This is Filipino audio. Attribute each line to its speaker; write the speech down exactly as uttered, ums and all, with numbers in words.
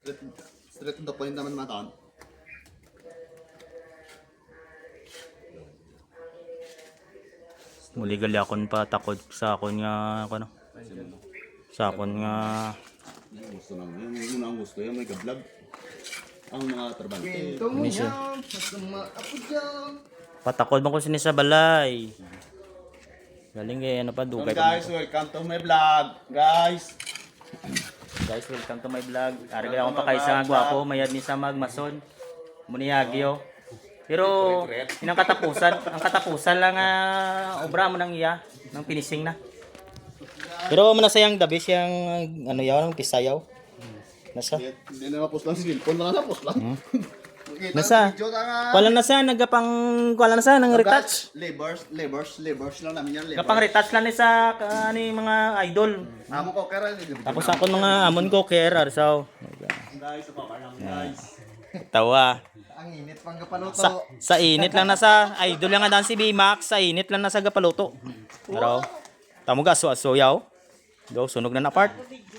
Speaker 1: Straight, straight to the point naman mataan.
Speaker 2: Muli gali akon pa takod sa akon nga ano. Sa akon nga
Speaker 1: Yung gusto lang. Yung yun ang gusto. Yung may ka-vlog. Ang mga trabante.
Speaker 3: Kwento mo
Speaker 2: Miss yun.
Speaker 3: yan, pasama ako dyan.
Speaker 2: patakod man ko sini sa balay. Galing kay ano pa
Speaker 1: So
Speaker 2: dugay
Speaker 1: guys,
Speaker 2: pa.
Speaker 1: welcome to my vlog. Guys.
Speaker 2: Guys, welcome to my vlog. Ari akong pa kay sa gwapo, mayad ni sa magmason. Muniyagyo. Pero inang katapusan, ang katapusan lang uh, obra mo nang iya, nang finishing na. Pero mo na sayang dabi siyang ano yaw ng pisayaw. Nasa?
Speaker 1: Hindi na napos lang si Wilpon. Wala napos lang. Makita
Speaker 2: Nasa?
Speaker 1: ang video ka nga.
Speaker 2: Wala na sa nagapang wala na sa nang retouch.
Speaker 1: Labors, labors, labors lang namin yan. Labors.
Speaker 2: Gapang retouch lang ni sa ani mga idol.
Speaker 1: Amo ko kaya.
Speaker 2: Tapos ako mga amon ko care so.
Speaker 1: Guys, sa papa namin guys.
Speaker 2: Tawa.
Speaker 3: Ang init pang kapaluto.
Speaker 2: Sa, sa init lang na sa idol lang nga dan si B-Max, sa init lang na sa gapaluto. Pero tamo ga so aso yaw. Go sunog na na part.